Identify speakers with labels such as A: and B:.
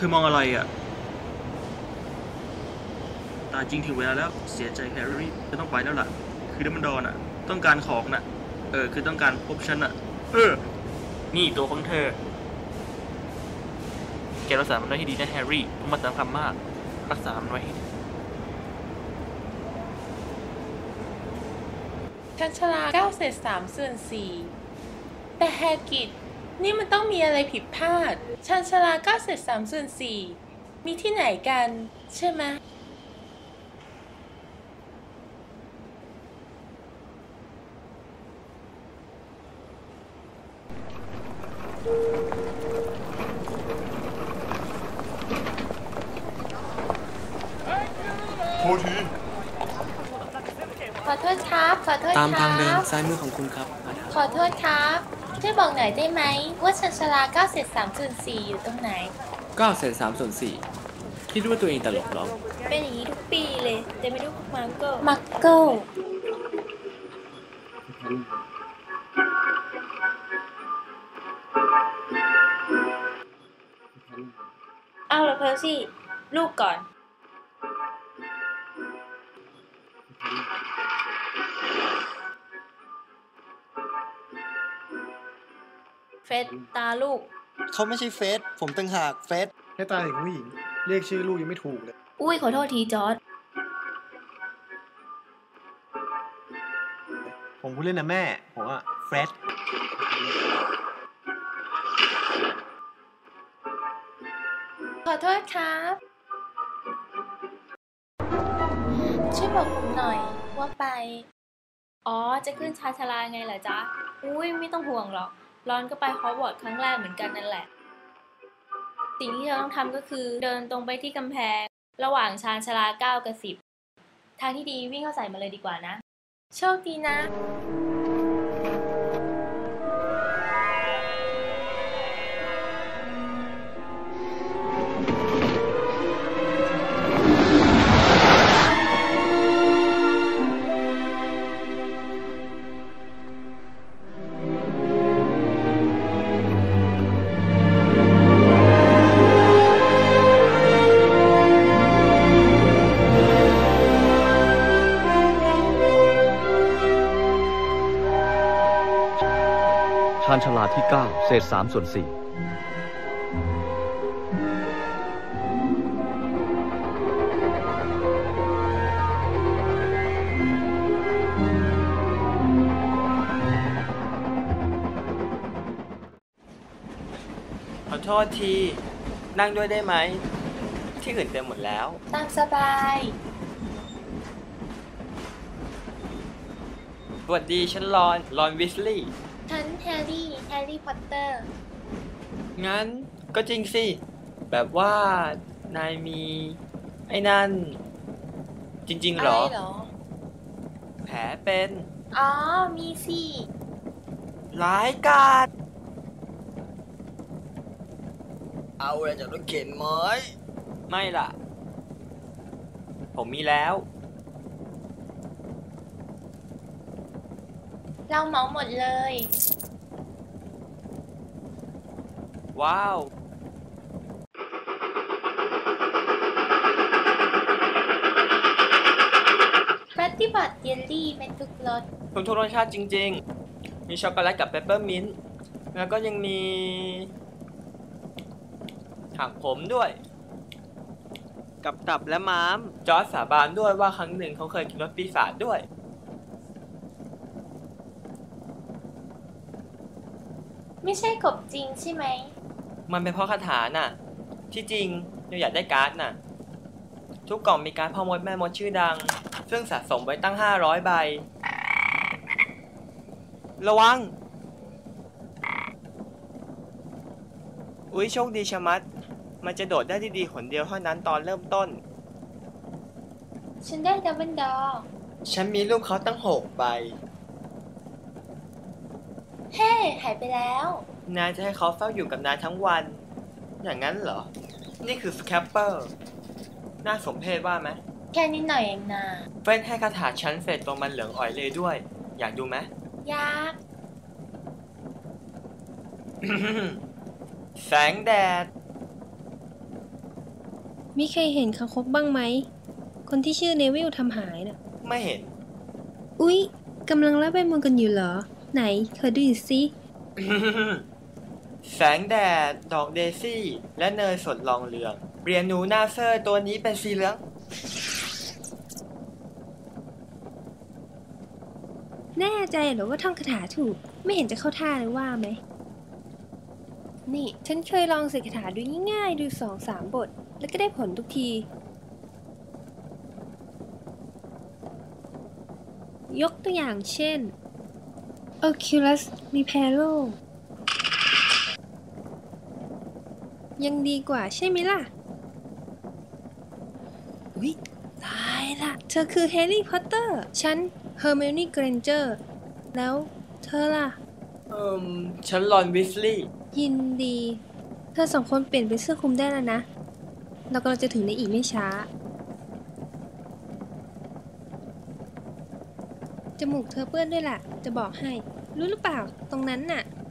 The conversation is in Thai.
A: อมองอะไรอ่ะตายจริงถึงเวลาแล้วเสียใจแฮร์รี่จะต้องไปแล้วล่ะคือดัมเบิลดอร์น่ะต้องการของน่ะคือต้องการพบฉันน่ะนี่ตัวของเธอแกรักษามันไว้ให้ดีนะแฮร์รี่ต้องมาตามคำมากรักษามันไว้ให้ดี
B: ชันชลา9 เศษ 3 ส่วน 4แต่แฮกิดนี่มันต้องมีอะไรผิดพลาดชันชลา9 เศษ 3 ส่วน 4มีที่ไหนกันใช่ไหม
C: โทษที
B: ขอโทษครับขอโทษครับ
D: ตามทางเดินซ้ายมือของคุณครับ
B: ขอโทษครับช่วยบอกหน่อยได้ไหมว่าชันชลา9 เศษ 3 ส่วน 4อยู่ตรงไหน
D: 9 เศษ 3 ส่วน 4คิดว่าตัวเองตลกหรอ
B: เป็นอย่างนี้ทุกปีเลยแต่ไม่รู้มักโก้เอาละเพอร์ซี่ลูกก่อนเฟสตาลูก
E: เขาไม่ใช่เฟสผมต่างหากเฟส
C: แค่ตาถึงผู้หญิงเรียกชื่อลูกยังไม่ถูกเลย
B: อุ้ยขอโทษทีจอร์จ
C: ผมพูดเล่นนะแม่ผมว่าเฟรด
B: ขอโทษครับช่วยบอกผมหน่อยว่าไปอ๋อจะขึ้นชาชลาไงเหรอจ๊ะอุ้ยไม่ต้องห่วงหรอกรอนก็ไปฮอกวอตส์ครั้งแรกเหมือนกันนั่นแหละสิ่งที่เราต้องทำก็คือเดินตรงไปที่กำแพงระหว่างชานชาลา9 กับ 10ทางที่ดีวิ่งเข้าใส่มาเลยดีกว่านะโชคดีนะ
F: ชาญชาลาที่9 เศษ 3 ส่วน 4
D: ขอโทษทีนั่งด้วยได้ไหมที่อื่นเต็มหมดแล้ว
B: ตามสบาย
D: สวัสดีฉันรอนวิสลีย์
B: ฉันแฮร์รี่พอตเตอร์
D: งั้นก็จริงสิแบบว่านายมีไอ้นั่นจริงๆหรอแผลเป็น
B: อ๋อมีสิ
D: ร้ายกาจเอาอะไรจากรถเข็นไหมไม่ล่ะผมมีแล้ว
B: เราเหมาหมดเลย
D: ว้าว
B: ปฏิบัติเยลลี่เป็นทุกรส
D: ทุกรสชาติจริงๆมีช็อกโกแลตกับเปปเปอร์มินต์แล้วก็ยังมีถักผมด้วยกับตับและม้ามจอร์จสาบานด้วยว่าครั้งหนึ่งเขาเคยกินรสปีศาจด้วย
B: ไม่ใช่กบจริงใช่ไหม
D: มันเป็นเพราะคาถาน่ะที่จริงเราอยากได้การ์ดน่ะทุกกล่องมีการ์ดพ่อมดแม่มดชื่อดังซึ่งสะสมไว้ตั้ง500 ใบระวังอุ๊ยโชคดีชะมัดมันจะโดดได้ที่ดีหนเดียวเท่านั้นตอนเริ่มต้น
B: ฉันได้ดับเบิลดอร์
D: ฉันมีรูปเขาตั้ง6 ใบ
B: เฮ้หายไปแล้ว
D: นายจะให้เขาเฝ้าอยู่กับนายทั้งวันอย่างนั้นเหรอนี่คือสแคปเปอร์น่าสมเพชว่าไหม
B: แค่นิดหน่อยเองนะ
D: เฟ้นให้คาถาชั้นเสร็จตรงมันเหลืองอ่อยเลยด้วยอยากดูไหม
B: อยาก
D: แสงแดด
G: มีใครเห็นคางคกบ้างไหม คนที่ชื่อเนวิลทำหายน่ะ
D: ไม่เห็น
G: อุ๊ยกำลังรับใบมนต์กันอยู่เหรอ ไหนขอดูหน่อยสิ
D: แสงแดด ดอกเดซี่ และเนยสดรองเรืองเรียนหนูนาเซอร์ตัวนี้เป็นสีเหลือง
G: แน่ใจเหรอว่าท่องคาถาถูก ไม่เห็นจะเข้าท่าเลยว่าไหม นี่ฉันเคยลองเสกคาถาดูง่ายๆ ดู2-3 บท แล้วก็ได้ผลทุกที ยกตัวอย่างเช่น Oculus Reparo ยังดีกว่าใช่ไหมล่ะ อุ๊ยตายละเธอคือแฮร์รี่พอตเตอร์ ฉันเฮอร์ไมโอนี่เกรนเจอร์ แล้วเธอล่ะ
D: ฉันรอนวิสลีย์
G: ยินดี เธอ2 คนเปลี่ยนเป็นเสื้อคลุมได้แล้วนะ เรากำลังจะถึงในอีกไม่ช้า จมูกเธอเปื้อนด้วยล่ะ จะบอกให้ รู้หรือเปล่า ตรงนั้นน่ะ